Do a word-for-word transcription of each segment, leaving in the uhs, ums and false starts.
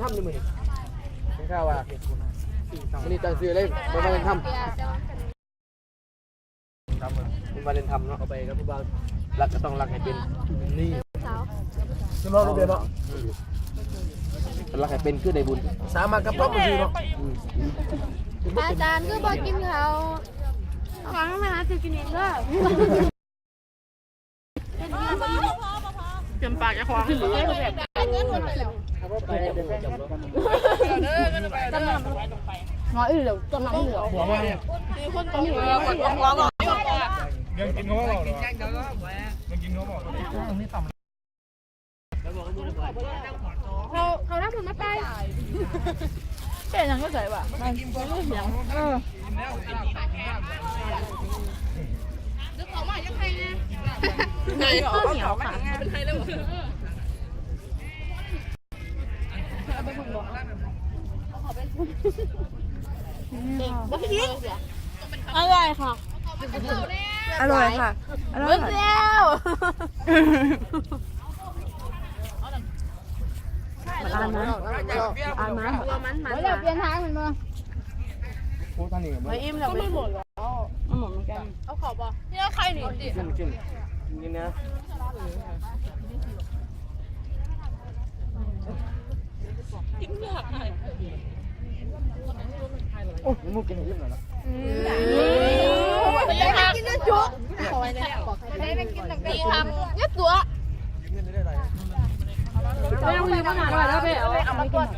ำนี่มือนี่เป็นข้าวว่ามันนี่ตั้งซื้อเลยมันมาเล่นทำมันมาเล่นทำเนาะเอาไปครับผู้บ่าวรักก็ต้องรักให้เป็นนี่จะมองลูกเดียวเนาะรักให้เป็นคือในบุญสามารถกับพ่อมาซื้อเนาะอาจารย์ก็บอกกินเขาหวังมาจะกินเองก็เตรียมปากจะควงหรือแบบน้อยอื่นเดี๋ยวจำนำเหลือหัวมาเนี่ยคนต้องมีหัวหัวก่อนยังกินเขาบอกยังกินเขาบอกเขาเขาได้ผลมาไปเป็นยังก็ใส่ป่ะมันไม่รู้เสียงเออดึกออกมายังไงเนี่ยไงเขาเหนียวค่ะเป็นไงแล้วอร่อยค่ะอร่อยค่ะอร่อยแล้วอ่านนะอ่านนะมันมันเดี๋ยวเปลี่ยนทางเหมือนกันโอ้ท่านนี่ไม่อิ่มแล้วไม่หมดแล้วไม่หมดเหมือนกันเอาขอบป่ะนี่ใครหนีดิขึ้นขึ้นนี่นะกินยากหน่อยโอ้ยมุกกินอิ่มแล้วนะไม่ได้กินจะจุ๊บขอไว้เลยไม่ได้กินหนังดีทำยัดตัวไม่ต้องคุยมากเลยแล้วเป๊ะเอามาก่อน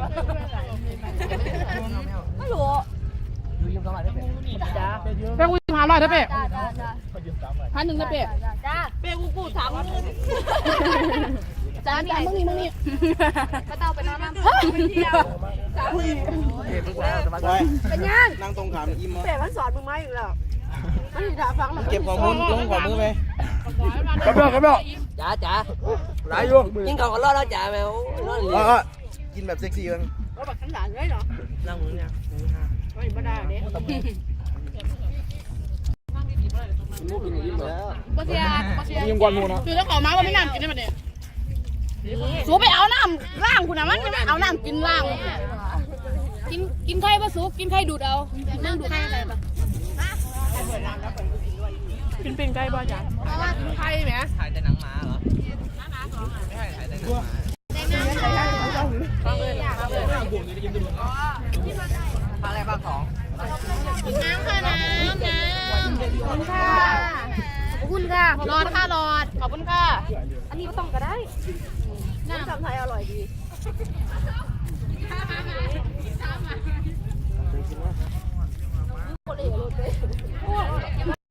ไม่รู้ดูยิ้มสบายได้เป๊ะจ้าเป๊ะกูยิ้มหาลอยได้เป๊ะพันหนึ่งได้เป๊ะจ้าเป๊ะกูกูถามมึงจ้านี่มึงนี่มึงนี่ก็เต้าไปนอนน้ำไปเที่ยวจ้าพี่เป๊ะมึงแล้วสบายเป็นยังนั่งตรงขามยิ้มมั้งเป๊ะมันสอนมึงไหมอยู่แล้วมันถามฟังมันเก็บข้อมูลลงข้อมือไปกระเบื้องกระเบื้องจ๋าจ๋าหลายอยู่กินข้าวก็รอดแล้วจ๋าแมวรอดเลยกินแบบเซ็กซี่กันก็แบบขันหลานเลยเหรอนั่งมือเนี่ยไม่ไม่ได้เนี่ยมุกกินยิ้มแล้วปะเสียปะเสียยังกวนมูนะคือต้องขอมาว่าไม่น้ำกินได้ไหมเนี่ยสูไปเอาน้ำล่างคุณนะมันไม่เอาน้ำกินล่างกินกินไข่ปะสูกินไข่ดูดเอานั่งดูดไข่อะไรปะเป็นเป็นไก่บ้าจ้ะไข่ไหมถ่ายแต่หนังหมาเหรอไม่ใช่ถ่ายแต่หนังหมาอะไรบ้างของน้ำค่ะน้ำน้ำขอบคุณค่ะขอบคุณค่ะรอดค่ะรอดขอบคุณค่ะอันนี้ก็ต้องก็ได้น้ำจำไทยอร่อยดี